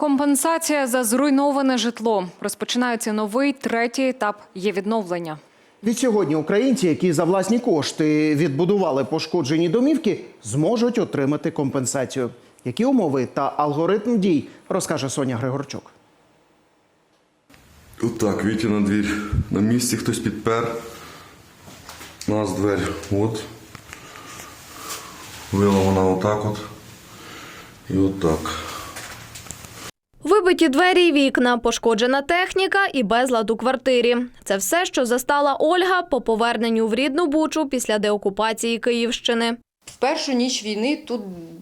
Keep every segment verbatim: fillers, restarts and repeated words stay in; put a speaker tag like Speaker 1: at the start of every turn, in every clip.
Speaker 1: Компенсація за зруйноване житло. Розпочинається новий, третій етап є-відновлення.
Speaker 2: Відсьогодні українці, які за власні кошти відбудували пошкоджені домівки, зможуть отримати компенсацію. Які умови та алгоритм дій, розкаже Соня Григорчук.
Speaker 3: Отак, Вітя на двір. На місці хтось підпер. У нас двері. От. Вила вона отак от. І отак.
Speaker 4: Вибиті двері й вікна, пошкоджена техніка і безлад у квартирі. Це все, що застала Ольга по поверненню в рідну Бучу після деокупації Київщини.
Speaker 5: В першу ніч війни тут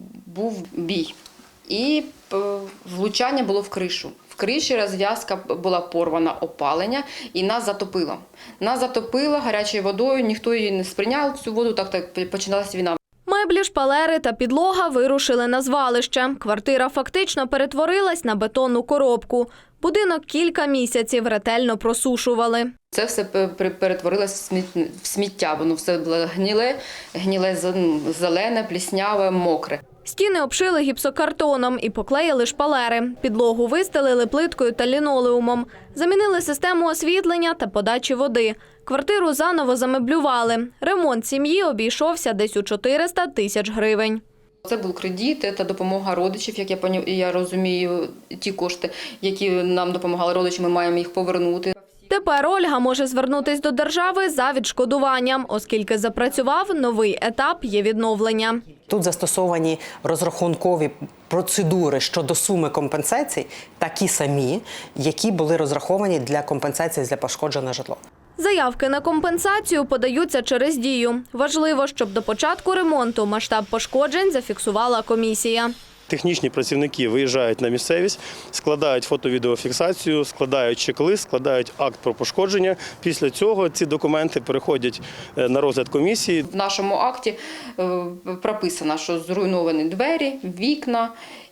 Speaker 5: був бій. І влучання було в кришу. В криші розв'язка була порвана, опалення, і нас затопило. Нас затопило гарячою водою, ніхто її не сприйняв, цю воду, так, так починалася війна.
Speaker 4: Меблі, шпалери та підлога вирушили на звалище. Квартира фактично перетворилась на бетонну коробку. Будинок кілька місяців ретельно просушували.
Speaker 5: Це все перетворилося в сміття, воно все було гніле, гніле зелене, плісняве, мокре.
Speaker 4: Стіни обшили гіпсокартоном і поклеїли шпалери. Підлогу вистелили плиткою та лінолеумом. Замінили систему освітлення та подачі води. Квартиру заново замеблювали. Ремонт сім'ї обійшовся десь у чотириста тисяч гривень.
Speaker 5: Це був кредит та допомога родичів, як я, я розумію, ті кошти, які нам допомагали родичі, ми маємо їх повернути.
Speaker 4: Тепер Ольга може звернутися до держави за відшкодуванням, оскільки запрацював новий етап є-відновлення.
Speaker 6: Тут застосовані розрахункові процедури щодо суми компенсацій, такі самі, які були розраховані для компенсації за пошкоджене житло.
Speaker 4: Заявки на компенсацію подаються через Дію. Важливо, щоб до початку ремонту масштаб пошкоджень зафіксувала комісія.
Speaker 7: Технічні працівники виїжджають на місцевість, складають фото-відеофіксацію, складають чек-лист, складають акт про пошкодження. Після цього ці документи переходять на розгляд комісії.
Speaker 5: В нашому акті прописано, що зруйновані двері, вікна,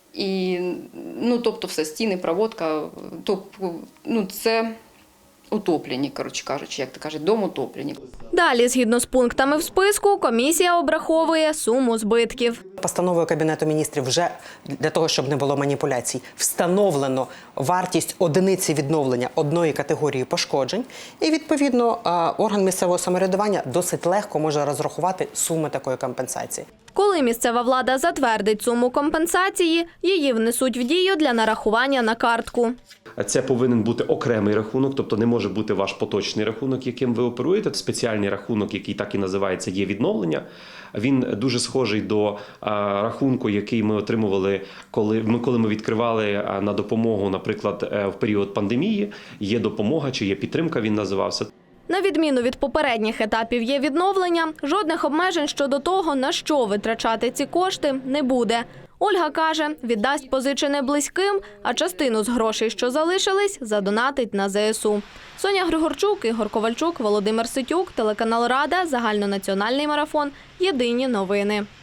Speaker 5: і, ну, тобто все, стіни, проводка, тобто, ну, це утоплені, коротше кажучи, як то кажуть, дом утоплені.
Speaker 4: Далі, згідно з пунктами в списку, комісія обраховує суму збитків.
Speaker 6: Постановою Кабінету міністрів вже, для того, щоб не було маніпуляцій, встановлено вартість одиниці відновлення одної категорії пошкоджень. І, відповідно, орган місцевого самоврядування досить легко може розрахувати суми такої компенсації.
Speaker 4: Коли місцева влада затвердить суму компенсації, її внесуть в дію для нарахування на картку.
Speaker 8: Це повинен бути окремий рахунок, тобто не може бути ваш поточний рахунок, яким ви оперуєте. Спеціальний рахунок, який так і називається, є відновлення. Він дуже схожий до рахунку, який ми отримували, коли ми, коли ми відкривали на допомогу, наприклад, в період пандемії. Є допомога чи є підтримка, він називався.
Speaker 4: На відміну від попередніх етапів є-відновлення, жодних обмежень щодо того, на що витрачати ці кошти, не буде. Ольга каже, віддасть позичене близьким, а частину з грошей, що залишились, задонатить на зе ес у. Соня Григорчук, Ігор Ковальчук, Володимир Ситюк, телеканал Рада, загальнонаціональний марафон, єдині новини.